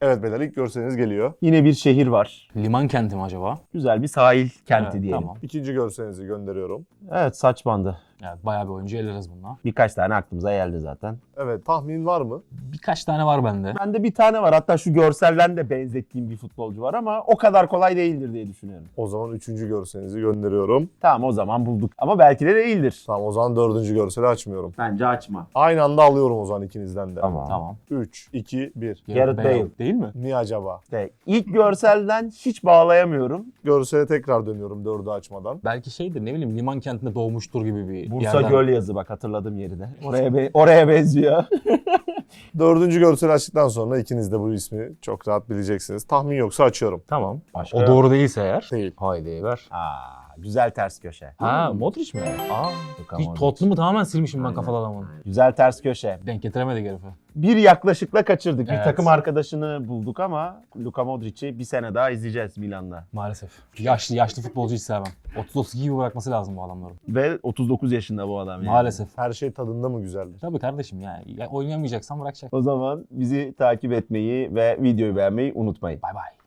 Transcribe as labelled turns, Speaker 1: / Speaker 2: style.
Speaker 1: Evet beyler, ilk görseliniz geliyor.
Speaker 2: Yine bir şehir var.
Speaker 3: Liman kenti mi acaba?
Speaker 2: Güzel bir sahil kenti
Speaker 3: Evet,
Speaker 2: diyelim.
Speaker 3: tamam.
Speaker 1: İkinci görselinizi gönderiyorum.
Speaker 2: Evet, saç bandı.
Speaker 3: Evet, bayağı bir oyuncu eleriz bununla.
Speaker 2: Birkaç tane aklımıza geldi zaten.
Speaker 1: Evet, tahmin var mı?
Speaker 3: Birkaç tane var bende.
Speaker 2: Bende bir tane var. Hatta şu görselden de benzettiğim bir futbolcu var ama o kadar kolay değildir diye düşünüyorum.
Speaker 1: O zaman üçüncü görselinizi gönderiyorum.
Speaker 2: Tamam, o zaman bulduk. Ama belki de değildir.
Speaker 1: Tamam, o zaman dördüncü görseli açmıyorum.
Speaker 2: Bence açma.
Speaker 1: Aynı anda alıyorum o zaman ikinizden de.
Speaker 3: Tamam.
Speaker 1: 3, 2, 1.
Speaker 2: Gareth Bale.
Speaker 3: Değil mi?
Speaker 1: Niye acaba?
Speaker 2: İşte ilk görselden hiç bağlayamıyorum.
Speaker 1: Görsele tekrar dönüyorum dördü açmadan.
Speaker 3: Belki şeydir, ne bileyim, liman kentinde doğmuştur gibi bir
Speaker 2: Bursa
Speaker 3: yerden.
Speaker 2: Göl yazı, bak hatırladım yerini. Oraya benziyor.
Speaker 1: Dördüncü görseli açtıktan sonra ikiniz de bu ismi çok rahat bileceksiniz. Tahmin yoksa açıyorum.
Speaker 3: Tamam.
Speaker 2: Başka
Speaker 3: O
Speaker 2: yok.
Speaker 3: doğru değilse eğer.
Speaker 1: Değil.
Speaker 3: Haydi ver.
Speaker 2: Güzel ters köşe.
Speaker 3: Ha, Modric mi?
Speaker 2: Luka
Speaker 3: Hiç
Speaker 2: Modric.
Speaker 3: Tottenham'ı tamamen silmişim ben
Speaker 2: Aynen.
Speaker 3: kafalı adamın.
Speaker 2: Güzel ters köşe.
Speaker 3: Denk getiremedik herife.
Speaker 2: Bir yaklaşıkla kaçırdık. Bir
Speaker 3: Evet.
Speaker 2: takım arkadaşını bulduk ama Luka Modric'i bir sene daha izleyeceğiz Milan'da.
Speaker 3: Maalesef. Yaşlı futbolcu hiç sevmem. 30-32 gibi bırakması lazım bu adamların.
Speaker 2: Ve 39 yaşında bu adam yani.
Speaker 3: Maalesef.
Speaker 1: Her şey tadında mı güzeldir?
Speaker 3: Tabii kardeşim yani. Ya oynayamayacaksan bırakacak.
Speaker 2: O zaman bizi takip etmeyi ve videoyu beğenmeyi unutmayın.
Speaker 3: Bay bay.